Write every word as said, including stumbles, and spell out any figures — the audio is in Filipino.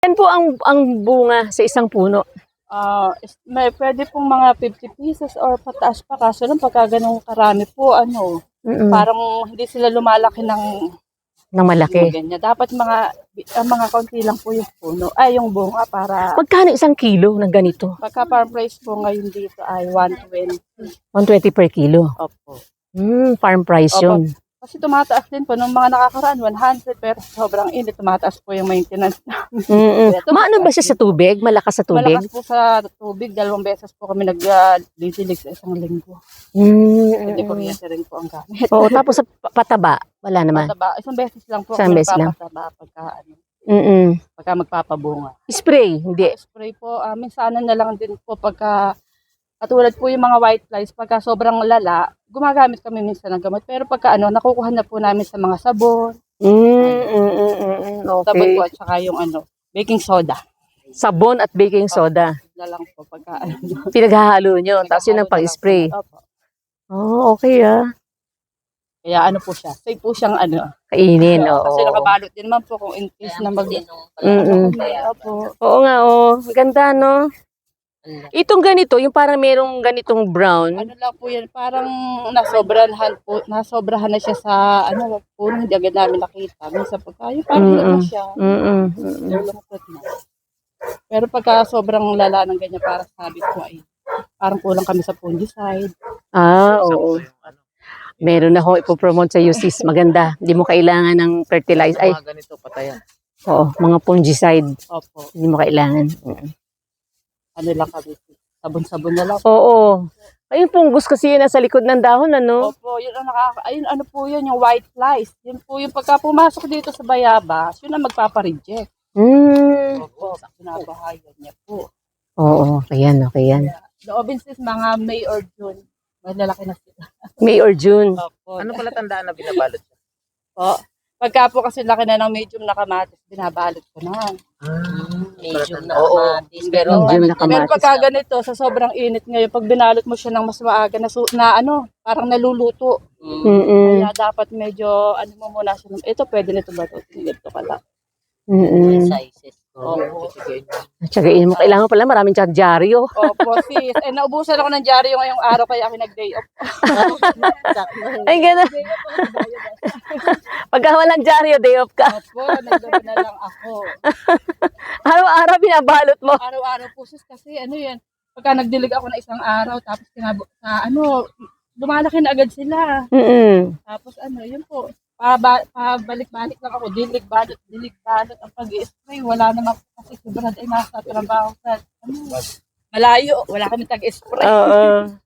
Yan po ang ang bunga sa isang puno. Ah, is may puwede pong mga fifty pieces or pataas pa kaso lang pagka gano'ng karami po ano, Mm. parang hindi sila lumalaki ng Ng malaki. ganyan. Dapat mga ah, mga kaunti lang po yung puno ay yung bunga para Magkano isang kilo ng ganito? pagka farm price po ngayon dito ay one twenty. one twenty per kilo. Opo. Hmm, farm price Opo. yun. Kasi tumataas din po nung mga nakakaraan one hundred pero sobrang init tumataas po yung maintenance namin. Mm. Ito, Maano ba siya sa tubig? Malakas sa tubig? Malakas po sa tubig, dalawang beses po kami nag-didilig sa isang linggo. Mm. Hindi kuryente rin po ang gamit. Oo, tapos sa pa- pataba, wala naman. Pataba, isang beses lang po Isang kami beses lang. nagpapataba pagka, ano, Mm. pagka magpapabunga. Spray, hindi. Spray po, uh, minsanan na lang din po pagka, katulad po yung mga white flies, pagka sobrang lala, gumagamit kami minsan ng gamot. Pero pagka ano, nakukuha na po namin sa mga sabon, Mm, mm, mm, mm, sabon okay. po at saka yung ano, baking soda. Sabon at baking soda. Na lang po pagka ano. Pinaghahalo nyo, tapos yun ang Naghahalo na lang po. pag-spray. Opo. Oh, okay ah. Kaya ano po siya, safe po siyang ano. Kainin, oo. Kasi nakabalot din naman po kung in case na mag... Mm-mm. Opo. Oo nga, oh. Ganda, no? Itong ganito, yung parang merong ganitong brown. Ano lang po yan, parang nasobrahan po, nasobrahan na siya sa, ano po, hindi agad namin nakita. Minsan pagka, yung parang Mm-mm. ano siya, Mm-mm. Mm-mm. lulungkot na. Pero pagka sobrang lala ng ganyan, para sabi ko ay, parang kulang kami sa fungicide. Ah, oo. Meron akong ipopromote sa iyo, sis. Maganda. Hindi mo kailangan ng fertilizer. Ay, Mga ganito, patayan. oo. Mga fungicide. Opo, Hindi mo kailangan. Mm. ano lang kami, sabon-sabon na lang. Oo. Ayun, fungus kasi yun nasa likod ng dahon, ano? Opo, yun ang nakaka, ayun ano po yun, yung white flies. Yun po yung pagka pumasok dito sa bayabas, yun ang magpapareject. Hmm. Opo, pinabahayan niya po. Oo, okay yan, okay yan. Loobin sis, mga May or June, malalaki na sila. May or June. Opo. Ano pala tandaan na binabalot siya? Po. Pagka po kasi laki na ng medium na kamatis, binabalot ko na. Medium na kamatis. Pero, Medium na Pero kamatis. pagka ganito, sa sobrang init ngayon, pag binalot mo siya ng mas maaga na, su- na ano, parang naluluto. Mm-mm. Kaya dapat medyo, ano mo muna siya. Ito, pwede nito ba ito? Ito ka lang. Mm-mm. sizes. Opo. Tsagain mo. Kailangan pala maraming dyaryo. Opo, sis. Eh, naubusan ako ng dyaryo ngayong araw, kaya ako nag-day off. Ay, gano'n. Day off ako sa bayad. Pagka walang dyaryo, day off ka. Opo, nagdala na lang ako. Araw-araw binabalot mo. Araw-araw po sis kasi ano yan, pagka nagdilig ako na isang araw tapos kinabo, sa ano, lumalaki na agad sila. Mm-mm. Tapos ano, yun po, paba, pabalik-balik lang ako, dilig, balot, dilig, balot. Ang pag-i-spray, wala naman po kasi si Brad ay nasa trabaho sa, ano, malayo, wala kami tag-spray. Oo.